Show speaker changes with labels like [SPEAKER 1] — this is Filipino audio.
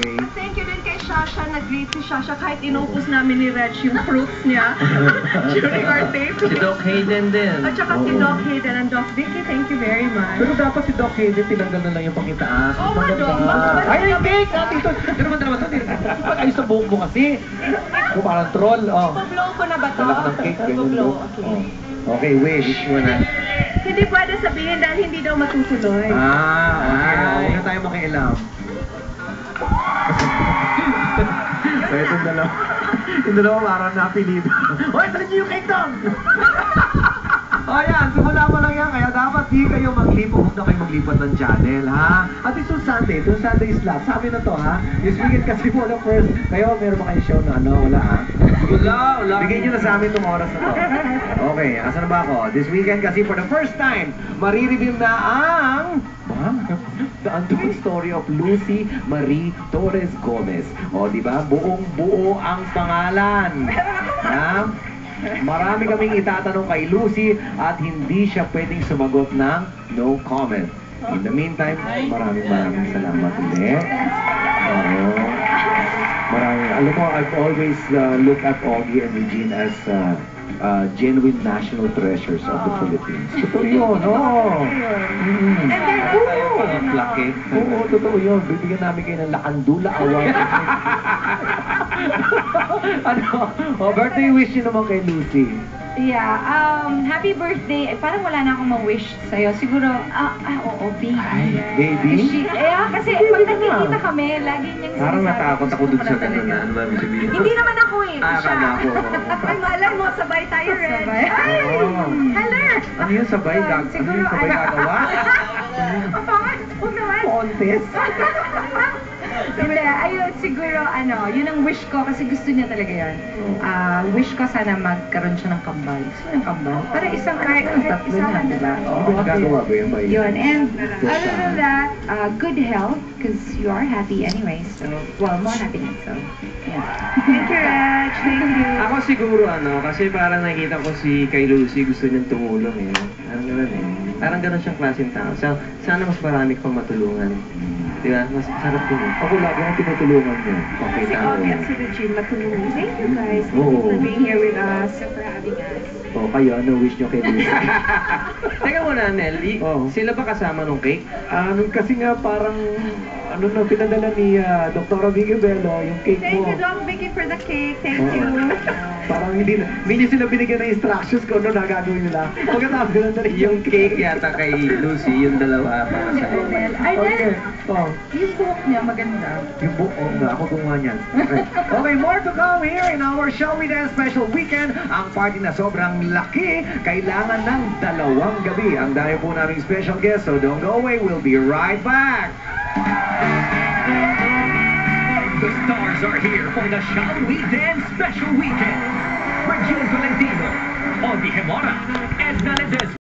[SPEAKER 1] way.
[SPEAKER 2] Thank you din kay Shasha. Nag-greet si Shasha kahit inupos namin ni Reg yung fruits niya during our tape.
[SPEAKER 3] Si Doc Hayden din.
[SPEAKER 2] At saka si Doc Hayden and Doc Vicky, thank you very much.
[SPEAKER 1] Pero dapat si Doc Hayden, tinanggal na lang yung pangitaas.
[SPEAKER 2] Oo nga, Doc.
[SPEAKER 1] Ay, cake! Dito. Pero naman ito. Pag-ayos sa buhok mo kasi. Kung parang troll.
[SPEAKER 2] Ipag-blow ko na ba to?
[SPEAKER 1] Malak ng cake.
[SPEAKER 2] Ipag-blow, okay.
[SPEAKER 1] Okay, wish mo na.
[SPEAKER 2] Hindi pwede sabihin dahil hindi daw matutuloy.
[SPEAKER 1] Okay. Huwag na tayo makialam. So, itong dalawa. Yung dalawa parang napilido. Hoy, dali niyo yung cake down! O yan, simula mo lang yan. Kaya dapat di kayo maglipo. Huwag na kayo maglipat ng channel, ha? At itong Sunday slot. Sabi na to, ha? This weekend kasi mo na first. Kayo, meron ba kayong show na ano? Wala, ha?
[SPEAKER 3] Wala.
[SPEAKER 1] Bigyan nyo na sa amin itong oras na to. Okay, asan na ba ako? This weekend kasi for the first time, marireveal na ang... The Untold Story of Lucy Marie Torres Gomez. O, di ba? Buong-buo ang pangalan. Ha? Marami kaming itatanong kay Lucy at hindi siya pwedeng sumagot ng no comment. In the meantime, maraming salamat ulit. Maraming. Alam mo, I've always looked at Augie and Regine as genuine national treasures of the Philippines. Totoo yun,
[SPEAKER 2] And they're
[SPEAKER 3] Lucky.
[SPEAKER 1] Oo, totoo yun. Bibigyan namin kayo ng Lakandula Award. Birthday wish nyo naman kay Lucy.
[SPEAKER 4] Yeah, happy birthday. Parang wala na akong ma-wish sa'yo. Siguro, oo, baby.
[SPEAKER 1] Baby?
[SPEAKER 4] Kasi pag nakikita kami, lagi niyang
[SPEAKER 3] Parang
[SPEAKER 4] sinasabi,
[SPEAKER 3] natakot ako dun sa ganun na. Ano ba ibig sabihin?
[SPEAKER 2] Hindi naman ako eh.
[SPEAKER 3] Akala ko.
[SPEAKER 2] Ay, malay mo, sabay tayo, Reg.
[SPEAKER 4] Sabay.
[SPEAKER 2] Ay! Hello!
[SPEAKER 1] Ano yun, sabay? Ano
[SPEAKER 4] Siguro,
[SPEAKER 1] yun, sabay gagawa?
[SPEAKER 2] Papangas po naman.
[SPEAKER 1] Contest?
[SPEAKER 4] Hindi, ayun, siguro, yun ang wish ko kasi gusto niya talaga yun. Wish ko sana magkaroon siya ng kambal. Gusto niya ng kambal? Para isang kahit tatlo na, di ba?
[SPEAKER 1] Ano ba gagawa ba yun?
[SPEAKER 4] Yun, and other than that, good health, because you are happy anyway, so, well, more happiness, so, yeah.
[SPEAKER 2] Thank you, Reg. Thank you.
[SPEAKER 3] Ako siguro kasi parang nakita ko si kay Lucy gusto niyang tumulong eh. Parang gano'n eh. Parang gano'n siyang klaseng tao. So, sana mas marami kang matulungan. Di ba? Mas sarap yun.
[SPEAKER 1] Ako lagi ang tinutulungan niya. Okay,
[SPEAKER 2] Si Augie at si Regine matulungin. Thank you guys. Thank you
[SPEAKER 1] Oo.
[SPEAKER 2] for being here with us. For having us.
[SPEAKER 1] O, kayo, ano wish nyo kay Lucy?
[SPEAKER 3] Teka muna, Nelly.
[SPEAKER 1] Oo.
[SPEAKER 3] Sila ba kasama nung cake?
[SPEAKER 1] Kasi nga parang, pinadala ni Dr. Vicky Bello, yung cake
[SPEAKER 2] Thank
[SPEAKER 1] mo.
[SPEAKER 2] you, Doc Vicky, for the cake. Thank
[SPEAKER 1] Oo.
[SPEAKER 2] you.
[SPEAKER 1] Parang hindi niya sila binigyan ng instructions kung ano na gagawin nila. Pagkatapos ganun na rin
[SPEAKER 3] Yung cake yata kay Lucy, yung dalawa para sa
[SPEAKER 4] Ay,
[SPEAKER 1] Okay. Oh,
[SPEAKER 4] yung buhok niya maganda.
[SPEAKER 1] yung buong nga, ako gumawa niyan. Okay, more to come here in our Shall We Dance Special Weekend. Ang party na sobrang laki, kailangan ng 2 gabi. Ang dami po naming special guest, so don't go away. We'll be right back.
[SPEAKER 5] The stars are here for the Shall We Dance Special Weekend. Regine Valentino, Augie Hemora, Edna Ledesma.